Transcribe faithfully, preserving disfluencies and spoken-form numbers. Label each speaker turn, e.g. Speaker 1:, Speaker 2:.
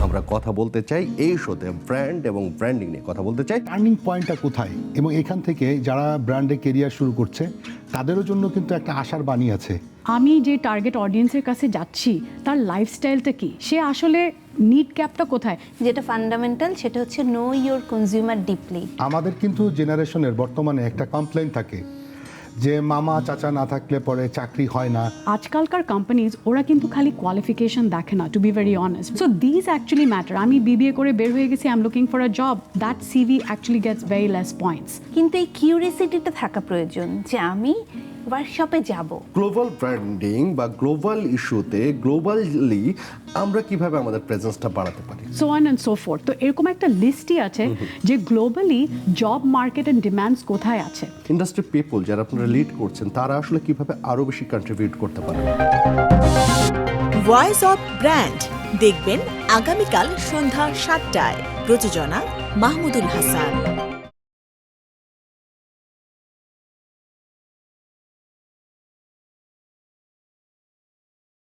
Speaker 1: আমরা কথা বলতে চাই এই শোতে ব্র্যান্ড এবং ব্র্যান্ডিং নিয়ে কথা বলতে চাই।
Speaker 2: টার্নিং পয়েন্টটা কোথায় এবং এখান থেকে যারা ব্র্যান্ডে কেরিয়ার শুরু করছে তাদেরও জন্য কিন্তু একটা আশার বাণী আছে।
Speaker 3: আমি যে টার্গেট অডিয়েন্সের কাছে যাচ্ছি তার লাইফস্টাইলটা কি, সে আসলে নিড ক্যাপটা কোথায়।
Speaker 4: যেটা ফান্ডামেন্টাল সেটা হচ্ছে নো ইউর কনজিউমার ডিপলি।
Speaker 2: আমাদের কিন্তু জেনারেশনের বর্তমানে একটা কমপ্লেন থাকে যে মামা চাচা না থাকলে পরে চাকরি হয় না।
Speaker 3: আজকালকার কোম্পানিজ ওরা কিন্তু খালি কোয়ালিফিকেশন দেখে না, to be very honest. So this actually matter. আমি বিবিএ করে বের হয়ে গেছি, I am looking for a job, that CV actually gets very less points.
Speaker 4: কিন্তু এই কিউরিয়াসিটিটা থাকা প্রয়োজন যে আমি ওয়ার্কশপে যাব।
Speaker 1: গ্লোবাল ব্র্যান্ডিং বা গ্লোবাল ইস্যুতে গ্লোবালি আমরা কিভাবে আমাদের প্রেজেন্সটা বাড়াতে পারি,
Speaker 3: so on and so forth. তো এরকম একটা লিস্টই আছে যে globally job market and demands কোথায় আছে।
Speaker 1: ইন্ডাস্ট্রি পিপল যারা আপনারা লিড করছেন তারা আসলে কিভাবে আরো বেশি কন্ট্রিবিউট করতে পারে।
Speaker 5: ভয়েস অফ ব্র্যান্ড দেখবেন আগামীকাল সন্ধ্যা সাতটায়। প্রযোজনা মাহমুদুল হাসান।